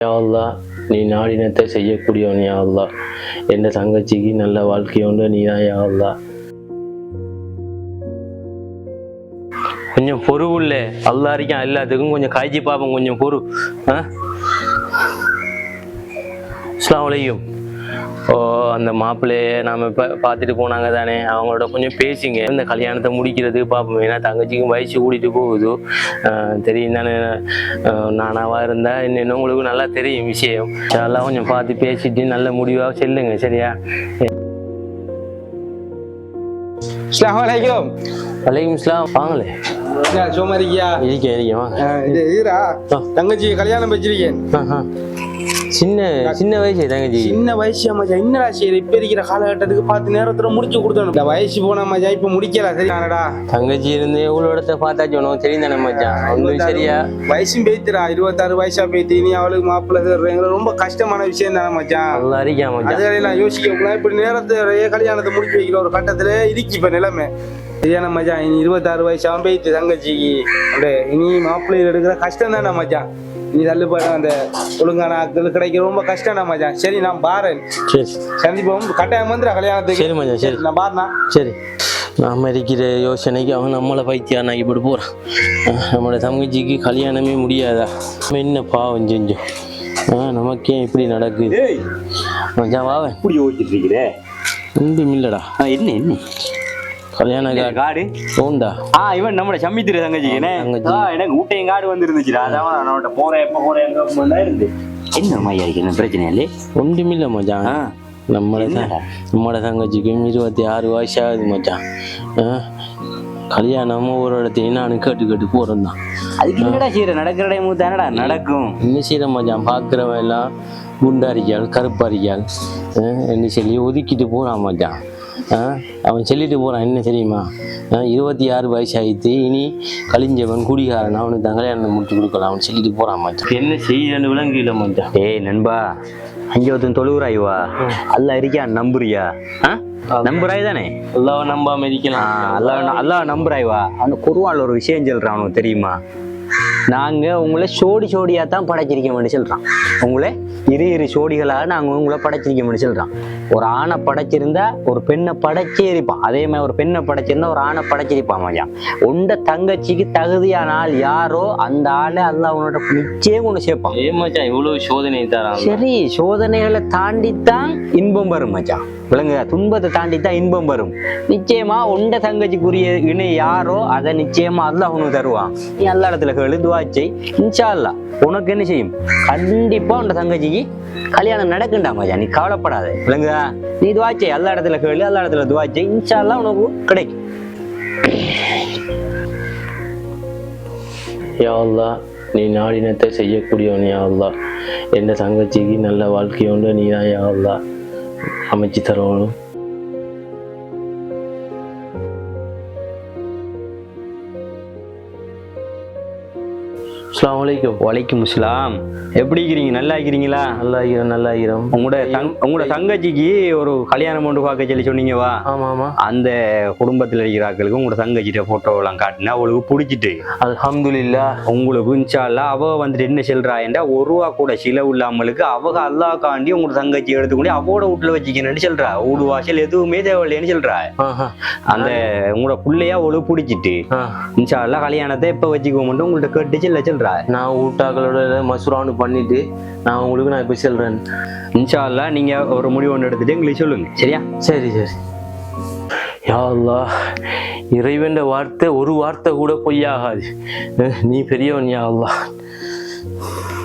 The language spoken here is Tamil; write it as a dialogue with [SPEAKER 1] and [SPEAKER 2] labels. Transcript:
[SPEAKER 1] யா அல்லாஹ், நீ நாடினத்தை செய்யக்கூடியவன் யா அல்லாஹ். என் தங்கச்சிக்கு நல்ல வாழ்க்கையோண்டு நீ தான் யா அல்லாஹ். கொஞ்சம் பொறுவுள்ள அல்லா இருக்கான் எல்லாத்துக்கும், கொஞ்சம் காய்ச்சி பார்ப்போம், கொஞ்சம் பொறு. அஸ்ஸலாமு அலைக்கும். ஓ, அந்த மாப்பிள்ளையை நாம் இப்போ பார்த்துட்டு போனாங்க தானே, அவங்களோட கொஞ்சம் பேசிங்க, இந்த கல்யாணத்தை முடிக்கிறதுக்கு பார்ப்போம். ஏன்னா தங்கச்சிக்கும் வயசு கூட்டிகிட்டு போகுது, தெரியும் தானே. நானாவாக இருந்தால் இன்னும் உங்களுக்கு நல்லா தெரியும் விஷயம். அதெல்லாம் கொஞ்சம் பார்த்து பேசிட்டு நல்ல முடிவாக செல்லுங்க, சரியா?
[SPEAKER 2] அஸ்ஸலாமு அலைக்கும்.
[SPEAKER 1] வலைக்கும் இஸ்லாம். வாங்களே.
[SPEAKER 2] சும்மா இருக்கியா?
[SPEAKER 1] இருக்கேன் வாங்க.
[SPEAKER 2] தங்கச்சி கல்யாணம் வச்சிருக்கேன்.
[SPEAKER 1] சின்ன வயசு தங்கச்சி.
[SPEAKER 2] சின்ன வயசு மச்சான். என்னடா சரி, இப்ப இருக்கிற காலகட்டத்துக்கு பார்த்து நேரத்துல முடிச்சு கொடுத்தணும். இந்த வயசு போன மச்சான், இப்ப முடிக்கல. சரியானடா?
[SPEAKER 1] தங்கச்சி இருந்து எவ்வளவு இடத்த பார்த்தாச்சு உனக்கு தெரியும் தானே மச்சான். ஒன்றும் சரியா
[SPEAKER 2] வயசும் பேத்துடா, 26 வயசா பேத்து நீ அவளுக்கு மாப்பிள்ளை தேடுறீங்க, ரொம்ப கஷ்டமான விஷயம் தானே மச்சான்.
[SPEAKER 1] நல்லா இருக்கா மச்சான்?
[SPEAKER 2] அதெல்லாம் யோசிக்க இப்படி நேரத்துல கல்யாணத்தை முடிச்சு வைக்கிற ஒரு கட்டத்துல இருக்கு இப்ப நிலைமை. சரியான மச்சான், இனி 26 வயசாவும் பேத்து தங்கச்சிக்கு இனி மாப்பிள்ளைகள் எடுக்கிற கஷ்டம் தானே மச்சான். நீ தள்ளுபாடு அந்த ஒழுங்கான ஆட்கள் கிடைக்க ரொம்ப கஷ்டம் மச்சான். சரி, நான் பாரேன்.
[SPEAKER 1] சரி,
[SPEAKER 2] சந்திப்போம். கட்டாயம் வந்துடா கல்யாணத்துக்கு.
[SPEAKER 1] சரி மச்சான். சரி,
[SPEAKER 2] நான் பாருண்ணா.
[SPEAKER 1] சரி. நாம இருக்கிற யோசனைக்கு அவன் நம்மளை பைத்தியானாக்கி இப்படி போகிறான். நம்மளோட தங்கச்சிக்கு கல்யாணமே முடியாதா? என்ன பாவம் செஞ்சோம். நமக்கே இப்படி நடக்குது மச்சான். வாவன்
[SPEAKER 3] இப்படி யோசிச்சுட்டு இருக்கிற
[SPEAKER 1] ஒன்றும் இல்லைடா.
[SPEAKER 3] என்ன
[SPEAKER 1] கல்யாண
[SPEAKER 3] காடு
[SPEAKER 1] உண்டா?
[SPEAKER 3] இவன் நம்மளோட சம்மித்திர தங்கச்சிக்கு எனக்கு ஊட்டையும் காடு வந்துருந்துச்சுடா. அதான் நான் போறேன், எப்ப போறேன் இருந்து. என்ன மையா இருக்கு, என்ன பிரச்சனை இல்லை?
[SPEAKER 1] ஒன்றும் இல்லை மச்சான். நம்மளோட தங்கச்சிக்கும் 26 வயசு ஆகுது மச்சான். கல்யாணமும் ஒரு இடத்தையும் நான் கேட்டு போறேன் தான்.
[SPEAKER 3] அதுக்கு என்னடா செய்யற? நடக்கிற டைம் தானடா நடக்கும்.
[SPEAKER 1] என்ன செய்யற மச்சான்? பார்க்குறவன் எல்லாம் குண்டாரிக்கால் கருப்பாரிக்கால் என்ன சொல்லி ஒதுக்கிட்டு போறான் மச்சான். அவன் சொல்லிட்டு போறான், என்ன தெரியுமா? 26 வயசு ஆயிடுத்து, இனி கலிஞ்சவன் குடிகாரன், அவனுக்கு தான் கல்யாணம் முடிச்சு கொடுக்கலாம் அவன் சொல்லிட்டு போறான் மச்சான். என்ன செய்யன்னு விளங்கல மச்சான்.
[SPEAKER 3] ஏய் நண்பா, அங்கே ஒருத்தன் தொழுகிறாய்வா, அல்ல இருக்கியா? நம்புறியா? நம்புறாய் தானே?
[SPEAKER 1] அல்லாஹ் நம்பாம இருக்கலாம்.
[SPEAKER 3] அல்லாஹ் நம்புறாய்வா? அவனுக்கு குருவால் ஒரு விஷயம் சொல்றான், அவனுக்கு தெரியுமா? நாங்க உங்களை சோடியா தான் படைச்சிருக்கோம்னு சொல்றான். உங்களை இரு சோடிகளாக நாங்க உங்களை படைச்சிருக்கோம்னு சொல்றான். ஒரு ஆணை படைச்சிருந்தா ஒரு பெண்ணை படைச்சே இருப்பான். அதே மாதிரி ஒரு பெண்ணை படைச்சிருந்தா ஒரு ஆணை படைச்சிருப்பான் மச்சான். உண்ட தங்கச்சிக்கு தகுதியான ஆள் யாரோ அந்த ஆளை அல்லாஹ் உன்னோட நிச்சயம் ஒண்ணு சேர்ப்பான்.
[SPEAKER 1] மச்சான் இவ்வளவு சோதனை தரான்.
[SPEAKER 3] சரி, சோதனைகளை தாண்டித்தான் இன்பம் வரும் மச்சான். விளங்குதா? துன்பத்தை தாண்டித்தான் இன்பம் வரும். நிச்சயமா உண்ட தங்கச்சிக்குரிய இணை யாரோ அதை நிச்சயமா அல்லாஹ் உனக்கு தருவான். நீ எல்லா இடத்துல கேளு, துவாச்சை, இன்ஷா அல்லாஹ் உனக்கு என்ன செய்யும்? கண்டிப்பா உண்ட தங்கச்சிக்கு கல்யாணம் நடக்குண்டா மச்சான். நீ கவலைப்படாத. விளங்குதா? நீ துவாச்சை, எல்லா இடத்துல கேளு, எல்லா இடத்துல துவாச்சை, இன்ஷா அல்லாஹ் உனக்கு கிடைக்கும்.
[SPEAKER 1] யா அல்லாஹ், நீ நாடினத்தை செய்யக்கூடியவன் யா அல்லாஹ். என் தங்கச்சிக்கு நல்ல வாழ்க்கையோண்டு நீ தான் யா அல்லாஹ் அமைச்சு தரணும். அஸ்ஸலாமு அலைக்கும்.
[SPEAKER 3] வலைக்கும் அஸ்ஸலாம். எப்படி இருக்கிறீங்க? நல்லா இருக்கிறீங்களா?
[SPEAKER 1] நல்லா இருக்கிறோம்.
[SPEAKER 3] உங்களோட தங்கச்சிக்கு ஒரு கல்யாணம் ஒன்று பார்க்க சொல்லி சொன்னீங்கவா?
[SPEAKER 1] ஆமா.
[SPEAKER 3] அந்த குடும்பத்தில் இருக்கிற ஆட்களுக்கு உங்களோட தங்கச்சிட்ட போட்டோ எல்லாம் காட்டினா அவளுக்கு பிடிச்சிட்டு,
[SPEAKER 1] அல்ஹம்துலில்லாஹ்.
[SPEAKER 3] உங்களுக்கு இன்ஷா அல்லாஹ் அவ வந்துட்டு என்ன சொல்றாண்டா, ஒரு ரூபா கூட செலவு இல்லாமலுக்கு அவங்க அல்லாஹ்காண்டி உங்களோட தங்கச்சி எடுத்துக்கொண்டு அவோட வீட்டுல வச்சுக்கணும்னு சொல்றா. வீடு வாசல் எதுவுமே தேவையில்லைன்னு சொல்றா. அந்த உங்களோட பிள்ளையா அவளுக்கு பிடிச்சிட்டு இன்ஷா அல்லாஹ் கல்யாணத்தை எப்ப வச்சுக்கோமெண்டு உங்கள்ட்ட கேட்டு சொல்றா.
[SPEAKER 1] நான் ஊட்டாக்களோட மசூரானு பண்ணிட்டு நான் உங்களுக்கு நான் இப்ப சொல்றேன்.
[SPEAKER 3] இன்ஷா அல்லாஹ் நீங்க ஒரு முடிவு ஒன்று எடுத்துட்டு எங்களுக்கு சொல்லுங்க, சரியா?
[SPEAKER 1] சரி. யா அல்லாஹ், இறைவன் வார்த்தை ஒரு வார்த்தை கூட பொய்யாகாது. நீ பெரியவன் யா அல்லாஹ்.